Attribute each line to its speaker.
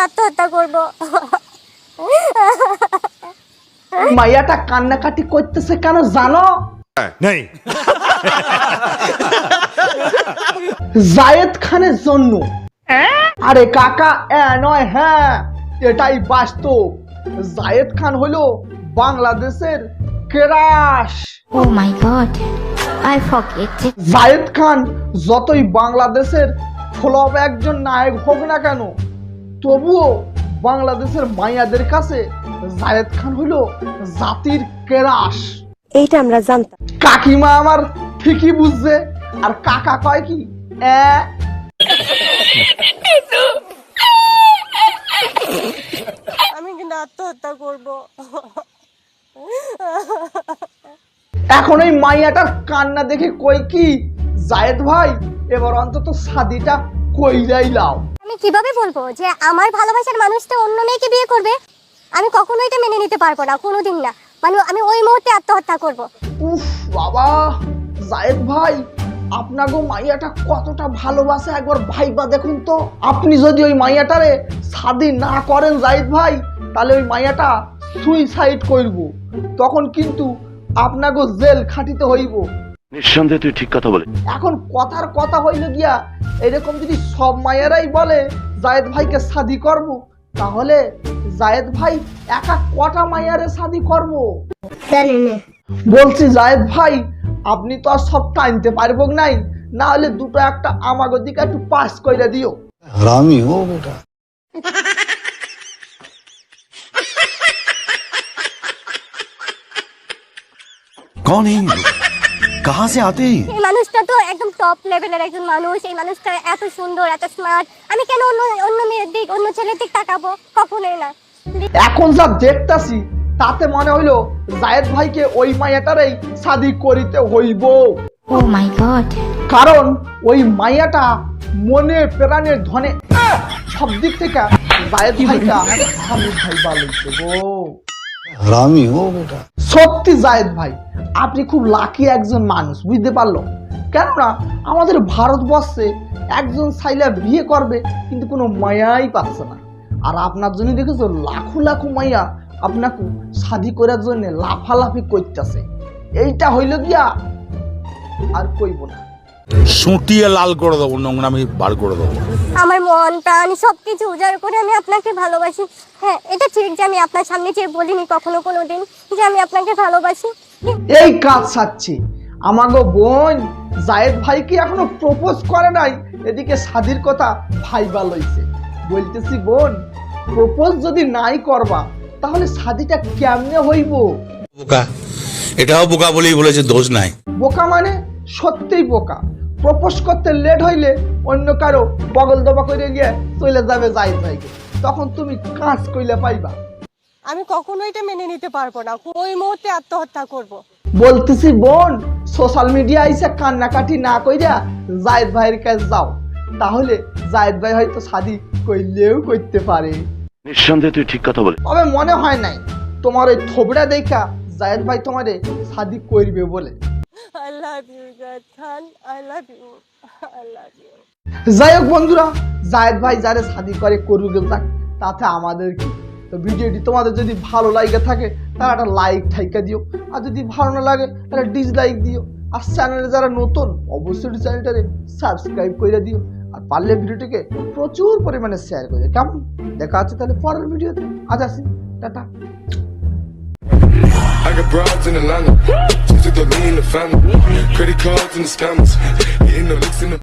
Speaker 1: আত্মহত্যা করব।
Speaker 2: মাইয়াটা কান্নাকাটি করতেছে কেন জানো?
Speaker 3: নেই।
Speaker 2: জায়েদ খানের জন্য। আরে কাকা নয়, হ্যাঁ এটাই বাস্তব। জায়েদ খান হলো বাংলাদেশের crush.
Speaker 1: Oh my god, I forget.
Speaker 2: Zayed Khan যতই বাংলাদেশের ফ্লপ একজন নায়ক হোক না কেন, তবুও বাংলাদেশের মাইয়াদের কাছে জায়েদ খান হলো জাতির ক্রাশ।
Speaker 4: এইটা আমরা জানতাম।
Speaker 2: কাকিমা আমার ঠিকই বুঝছে, আর কাকা কয় কি
Speaker 4: আমি কিন্তু আত্মহত্যা করব।
Speaker 2: এখন ওই মাইয়াটার কান্না দেখে কই কি, জায়েদ ভাই এবার অন্তত শাদিটা কইরাই লাও।
Speaker 1: আমি কিভাবে বলবো যে আমার ভালোবাসার মানুষটা অন্য মেয়েকে বিয়ে করবে? আমি কখনোই এটা মেনে নিতে পারবো না, কোনোদিন না। মানে আমি ওই মুহূর্তে আত্মহত্যা করব।
Speaker 2: উফ বাবা, জায়েদ ভাই আপনাগো মাইয়াটা কতটা ভালোবাসে একবার ভাইবা দেখুন তো। আপনি যদি ওই মাইয়াটারে শাদি না করেন জায়েদ ভাই, তাহলে ওই মাইয়াটা সুইসাইড করব, তখন কিন্তু আপনাগো জেল খাটিতে হইব।
Speaker 3: নিঃসন্দেহে তুই ঠিক কথা বলে।
Speaker 2: এখন কথার কথা হইল গিয়া, এরকম যদি সব মায়েরাই বলে জায়েদ ভাইকে শাদি করব, তাহলে জায়েদ ভাই একা কটা মাইয়ারে শাদি করব? বলছি জায়েদ ভাই, আপনি তো আর সব টাইনতে পারবো নাই, না হলে দুটো একটা আমাগো দিকে একটু পাস কইরা দিও।
Speaker 5: हरामी हो बेटा।
Speaker 3: कौन है ये लोग? कहाँ से आते हैं?
Speaker 1: এই মানুষটা তো একদম টপ লেভেলের একজন মানুষ। এই মানুষটা এত সুন্দর, এত স্মার্ট। আমি কেন অন্য অন্য মেয়ের দিক, অন্য ছেলের দিক তাকাবো? কখনোই না।
Speaker 2: এখন যা দেখতাছি তাতে মনে হইলো জায়েদ ভাইকে ওই মাইয়াটারই শাদি করিতে হইব।
Speaker 1: Oh my god.
Speaker 2: কারণ ওই মাইয়াটা মনে প্রাণের ধনে সব দিক থেকে জায়েদ ভাইটা হামিদ ভাই বালইছে গো।
Speaker 5: हरामी हो बेटा।
Speaker 2: সত্যি জায়েদ ভাই আপনি খুব লাকি একজন মানুষ, বুঝতে পারলো? কেননা আমাদের ভারতবর্ষে একজন সাইলা বিয়ে করবে কিন্তু কোনো মায়াই পাচ্ছে না, আর আপনার জন্য দেখেছো লাখো লাখো মাইয়া আপনাকে শাদি করার জন্য লাফালাফি করতেছে। এইটা হইল গিয়া আর কইব না,
Speaker 6: সুটিয়ে লাল করে দেবো, নোংরামি বার করে দেবো।
Speaker 1: আমার মন প্রাণ সবকিছু উজাড় করে আমি আপনাকে ভালোবাসি। হ্যাঁ, এটা ঠিক যে আমি আপনার সামনে চেয়ে বলিনি কখনো কোনোদিন যে আমি আপনাকে ভালোবাসি।
Speaker 2: এই কাজ সাচ্ছি। আমাগো বোন জায়েদ ভাই কি এখনো প্রপোজ করে নাই, এদিকে শাদির কথা ভাইবা লইছে। বলতেছি বোন, প্রপোজ যদি নাই করবা তাহলে শাদিটা কেমনে হইব?
Speaker 6: বোকা, এটাও বোকা বলেই বলেছে, দোষ নাই।
Speaker 2: বোকা মানে সত্যিই বোকা। প্রপোজ করতে লেট হইলে অন্য কারো বগল দবা করে গিয়ে চলে যাবে জায়েদ ভাইকে, তখন তুমি কাজ কইলে পাইবা।
Speaker 4: আমি কখনোই এটা মেনে নিতে পারবো না। ওই মুহূর্তে আত্মহত্যা করব।
Speaker 2: বলতেছি বোন, সোশ্যাল মিডিয়া আইসা কান্নাকাটি না কইরা জায়েদ ভাইয়ের কাছে যাও, তাহলে জায়েদ ভাই হয়তো শাদি কইলেও করতে পারে।
Speaker 3: নিঃসন্দেহে তুই ঠিক কথা বলে।
Speaker 2: তবে মনে হয় নাই তোমার ওই থোবড়া দেখা জায়েদ ভাই তোমারে শাদি করবে বলে।
Speaker 4: I love you, Zayed Khan. I love you. I love you.
Speaker 2: যাই হোক বন্ধুরা, জায়েদ ভাই যারে শাদি করে করুক যাক, তাতে আমাদের কি। তো ভিডিওটি তোমাদের যদি ভালো লাগে থাকে তাহলে একটা লাইক ঠাইকা দিও, আর যদি ভালো না লাগে তাহলে ডিসলাইক দিও। আর চ্যানেলে যারা নতুন অবশ্যই চ্যানেলটারে সাবস্ক্রাইব করে দিও, আর পারলে ভিডিওটিকে প্রচুর পরিমাণে শেয়ার করে। কেমন? দেখা আছে তাহলে পরের ভিডিওতে। আজ আসি, tata.
Speaker 7: I got broads in Atlanta, just took the lean in the family, credit cards and the scammers, hitting the licks in the